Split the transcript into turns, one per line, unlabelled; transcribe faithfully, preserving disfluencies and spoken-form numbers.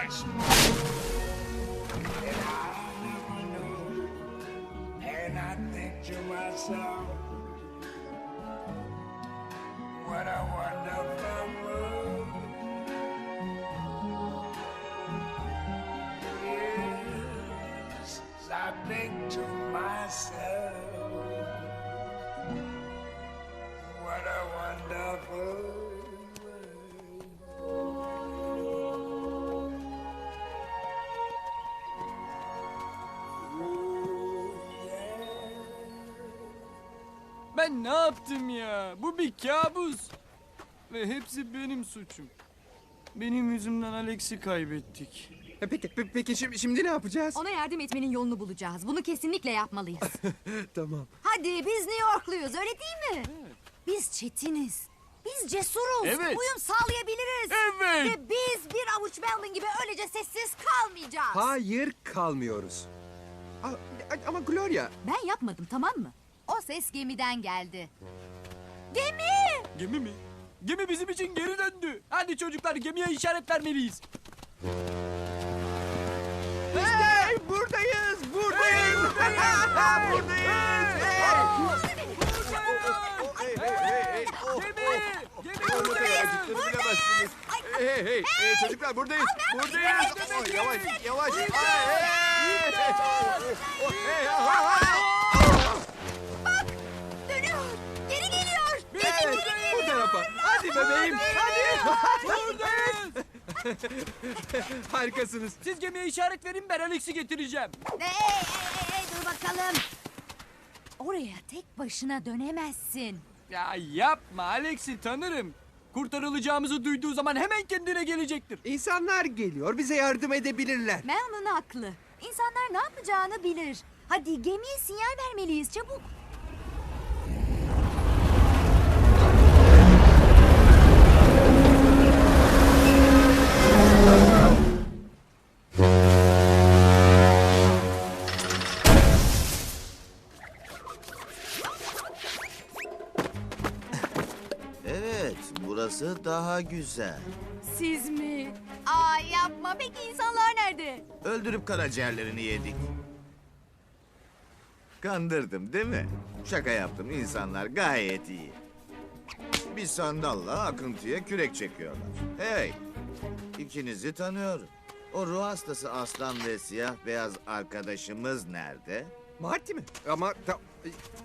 much more than I never knew. And I think to myself, what a wonderful world. Yes, I think to myself, what a wonderful world.
Ben ne yaptım ya? Bu bir kabus. Ve hepsi benim suçum. Benim yüzümden Alex'i kaybettik.
E, Peki, pe- peki şimdi, şimdi ne yapacağız?
Ona yardım etmenin yolunu bulacağız. Bunu kesinlikle yapmalıyız.
Tamam.
Hadi biz New Yorkluyuz öyle değil mi? Biz çetiniz. Biz cesuruz.
Evet.
Uyum sağlayabiliriz.
Evet.
Ve biz bir avuç Melvin gibi öylece sessiz kalmayacağız.
Hayır, kalmıyoruz. A- a- ama Gloria,
Ben yapmadım tamam mı? O ses gemiden geldi. Gemi!
Gemi mi? Gemi bizim için geri döndü. Hadi çocuklar gemiye işaret vermeliyiz.
hey, buradayız, buradayız, buradayız. Hey, hey, hey, hey, oh,
Gemi! Gemi
oh,
buradayız.
bilemezsiniz.
Ay,
Hey, hey, hey, çocuklar buradayız, buradayız. Oh, yavaş, yavaş. Hey, hey, oh, hey, ah, ah.
dönüyor. Geri geliyor.
Evet, bu tarafa. Hadi bebeğim, hadi.
Buradayız.
Harikasınız.
Siz gemiye işaret verin, ben Alex'i getireceğim.
Hey, hey, hey, hey, dur bakalım. Oraya tek başına dönemezsin.
Ya yapma, Alex'i tanırım. Kurtarılacağımızı duyduğu zaman hemen kendine gelecektir.
İnsanlar geliyor, bize yardım edebilirler.
Melvin haklı. İnsanlar ne yapacağını bilir. Hadi gemiye sinyal vermeliyiz çabuk.
Evet, burası daha güzel.
Siz mi? Aa yapma. Peki insanlar nerede?
Öldürüp karaciğerlerini yedik. Kandırdım değil mi? Şaka yaptım, insanlar gayet iyi. Bir sandalla akıntıya kürek çekiyorlar. Hey, ikinizi tanıyorum. O ruh hastası aslan ve siyah beyaz arkadaşımız nerede?
Marty mi? Ama ta-